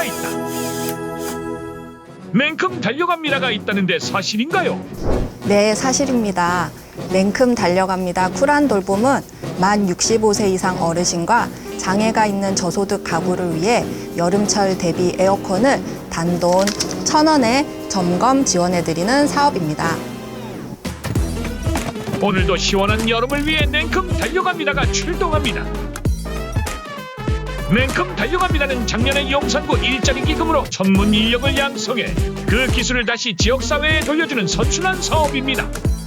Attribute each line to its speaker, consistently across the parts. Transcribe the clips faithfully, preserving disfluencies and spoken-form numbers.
Speaker 1: 달려갑니다가 있다. 냉큼 달려갑니다가 있다는데 사실인가요?
Speaker 2: 네, 사실입니다. 냉큼 달려갑니다. 쿨한 돌봄은 만 육십오 세 이상 어르신과 장애가 있는 저소득 가구를 위해 여름철 대비 에어컨을 단돈 천 원에 점검 지원해드리는 사업입니다.
Speaker 1: 오늘도 시원한 여름을 위해 냉큼 달려갑니다가 출동합니다. 냉큼 달려갑니다는 작년에 용산구 일자리 기금으로 전문 인력을 양성해 그 기술을 다시 지역사회에 돌려주는 선순환 사업입니다.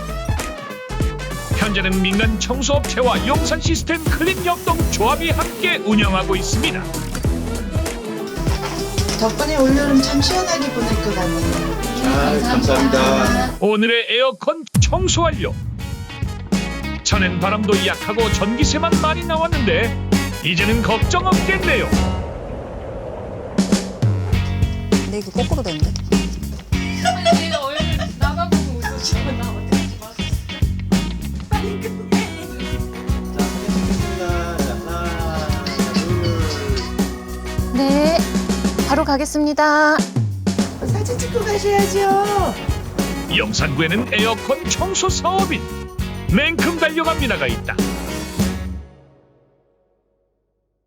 Speaker 1: 현재는 민간 청소업체와 용산 시스템 클린 협동 조합이 함께 운영하고 있습니다.
Speaker 3: 덕분에 올여름 참 시원하게 보낼 것 같네요.
Speaker 4: 아, 감사합니다.
Speaker 1: 오늘의 에어컨 청소 완료. 전엔 바람도 약하고 전기세만 많이 나왔는데 이제는 걱정 없겠네요.
Speaker 2: 근데 이거 거꾸로 되는데?
Speaker 5: 아니 내가 얼굴 나가보고 웃으시고 나 어떡하지 마. 빨리 끝내.
Speaker 4: 자, 하겠습니다. 하나, 둘.
Speaker 5: 네, 바로 가겠습니다.
Speaker 3: 사진 찍고 가셔야죠.
Speaker 1: 용산구에는 에어컨 청소 사업인 냉큼 달려갑니다가 있다.